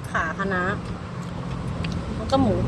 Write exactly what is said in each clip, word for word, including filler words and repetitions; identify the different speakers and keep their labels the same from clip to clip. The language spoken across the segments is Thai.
Speaker 1: ขาคะน้าแล้วก็หมู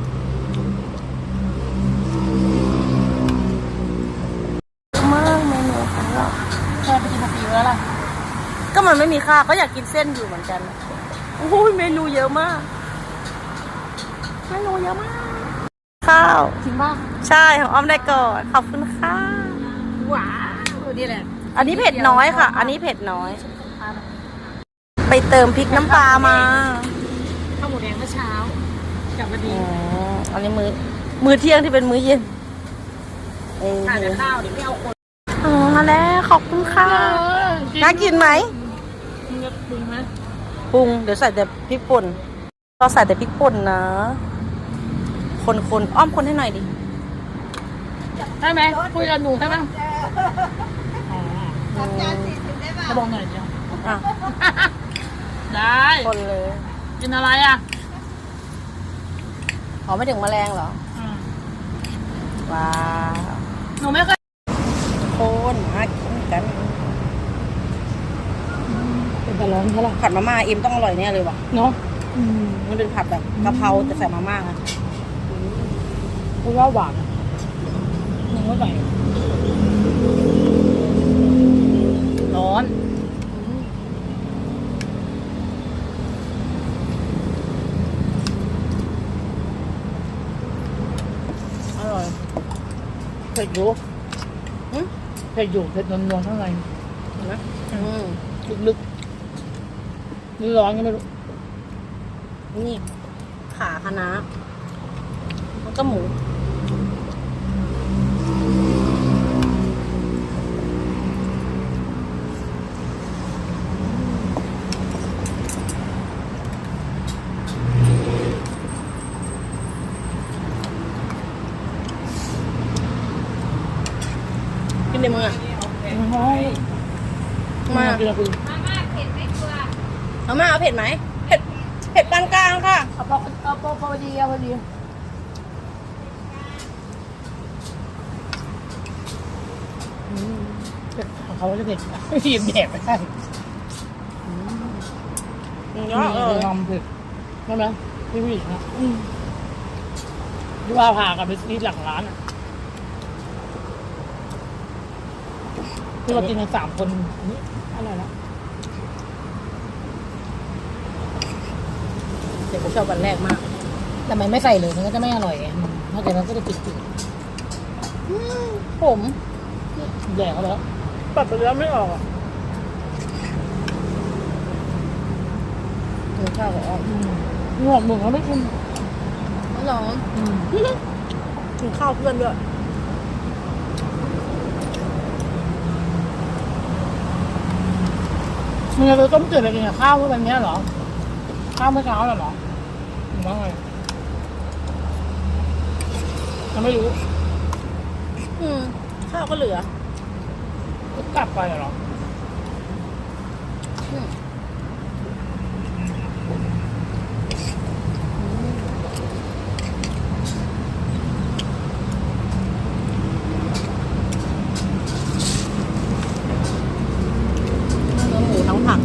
Speaker 1: มากเมนูของเรา
Speaker 2: เคยไปกินมาปีแล้วล่ะ
Speaker 1: ก็มันไม่มีข้าวก็อยากกินเส้นอยู่เหมือนกันโอ้ยเมนูเยอะมากเมนูเยอะมากข้าว
Speaker 2: จริงป่ะ
Speaker 1: ใช่ของอ้อมได้ก่อนขอบคุณค่ะ
Speaker 2: ว้าวนี่แหละ
Speaker 1: อันนี้เผ็ดน้อยค่ะ อันนี้เผ็ดน้อย ไปเติมพริกน้ำปลามา
Speaker 2: ข้าวหมูแดงเมื่อเช้ากลับมาดี
Speaker 1: อ๋ออันนี้มือมือเที่ยงที่เป็นมื้อเย็นเออ
Speaker 2: ทานแต่ข้าวเดี๋ยวไม่เอาคน
Speaker 1: อ๋อมาแล้วขอบคุณค่ะน่ากินไหม
Speaker 2: มึงจะปรุงไหม
Speaker 1: ปรุงเดี๋ยวใส่แต่พริกป่นก็ใส่แต่พริกป่นนะ คนคนอ้อมคนให้หน่อยดิ
Speaker 2: ได้ไหมคุยกับหนูได้ไหม
Speaker 1: อืม
Speaker 2: จะบอกหน่อยเดียว
Speaker 1: อ่ะ
Speaker 2: ได้
Speaker 1: คนเลย
Speaker 2: กินอะไรอ่ะ
Speaker 1: ขอไม่ถึงแมลงเหรอ
Speaker 2: อืม
Speaker 1: ว้าว
Speaker 2: หนูไม่เคย
Speaker 1: คนมากินกัน
Speaker 2: เป็นตะร้อนใช่ไหม
Speaker 1: ผัดมาม่าเอ็มต้องอร่อยแน่เลยว่ะ
Speaker 2: เนาะ
Speaker 1: มันเป็นผัดแบบกะเพราแต่ใส่มาม่าอะ
Speaker 2: เพราะว่าหวานหนูไม่ใส่ร้อนอร่อยเผ็ดอยู่
Speaker 1: อืม
Speaker 2: เผ็ดอยู่เผ็ดนวลๆข้างใน
Speaker 1: เห็นไหมอืม
Speaker 2: ลึกๆนี่ร้อนก็ไม่รู้
Speaker 1: นี่ขาคะน้าแล้วก็หมูกินในมืออ่ะ มา
Speaker 2: กินอะไรคุณ
Speaker 1: เอามาเอาเผ็ดไหมเผ็ดเผ็ดปานกลางค่ะ
Speaker 2: เอาพอเอาพอพอดีเอาพอดีเผ็ดของเขาจะเผ็ดหยิบแดกไม่ได้
Speaker 1: เยอะเออ
Speaker 2: ทำเผ็ดใช่ไหมพี่ผู้หญิงอะที่ว่าพากันไปซื้อหลังร้านอะที่เรากินกันสามคนนี่อะไรละ
Speaker 1: เดี๋ยวผมชอบวันแรกมาก
Speaker 2: แต่มันไม่ใส่เลยมันก็จะไม่อร่อยไงนอกจากนั้นก็จะจืด
Speaker 1: ผม
Speaker 2: ๆแดกเขาแล้ว
Speaker 1: ปัดไปแล้วไม่ออกอ่ะกินข้าวกับอ้อม
Speaker 2: งอกหมึงเขาไม่กิน
Speaker 1: ไม่ร้อนกินข้าวเพื่อนด้วย
Speaker 2: มึงจะไปต้มจืดไปกินกับข้าวเมื่อวันนี้เหรอข้าวเมื่อเช้าเหรอหรือว่าไงยังไม่รู้
Speaker 1: อืมข้าวก็เหลือ
Speaker 2: ก็กลับไปเหรอ
Speaker 1: อืมเนื้อหมูทั้งผัก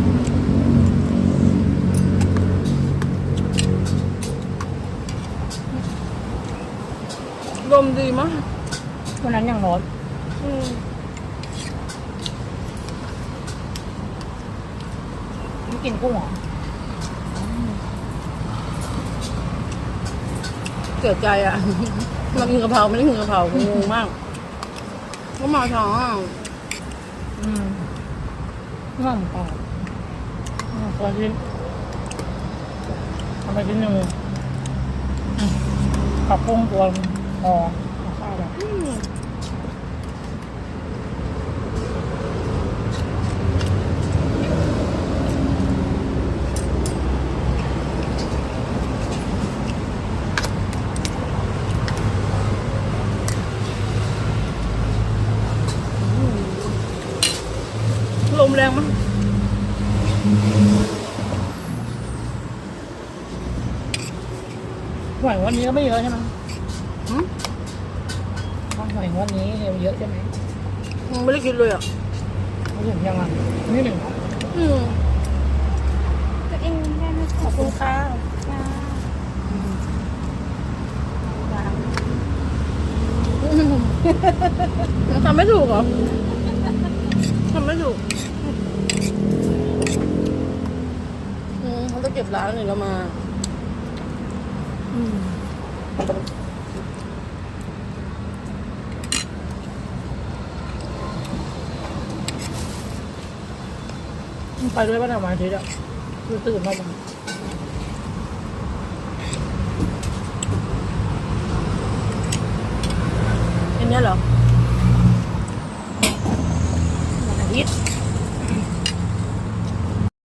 Speaker 1: ลมดีมาก
Speaker 2: วันนั้นยังร้อน
Speaker 1: อืม
Speaker 2: ไม่กินกุ้งเหรอ
Speaker 1: เกิดใจอ่ะ มากินกะเพราไม่ได้กินกะเพรางงมากก็มาช้าอ่ะ
Speaker 2: อืมน่าหมูกรอบตัวชิ้นทำไปชิ้นหนึ่งอืมกับกุ้งตัวพอเอาข้าวแบบ
Speaker 1: อืมลมแรงมาก
Speaker 2: หอยวันนี้ก็ไม่เยอะใช่ไหม
Speaker 1: หืม
Speaker 2: หอยวันนี้เยอะใช่ไหม
Speaker 1: ยังไม่ได้กินเลยอ่ะ
Speaker 2: ไม่ถึงยังอ่ะนี่หนึ่งเหรอ
Speaker 1: อืม
Speaker 3: ตัวเองได้ไหม
Speaker 1: ขอบคุณค่ะ
Speaker 3: ได้
Speaker 2: ทำไม่ถูกเหรอทำไม่ถูกอืมเขาจะเก็บร้านหนึ่งแล้วมาอืมไปด้วยป่ะเนี่ยวันอาทิตย์อ่ะคือตื่นมาบ้าง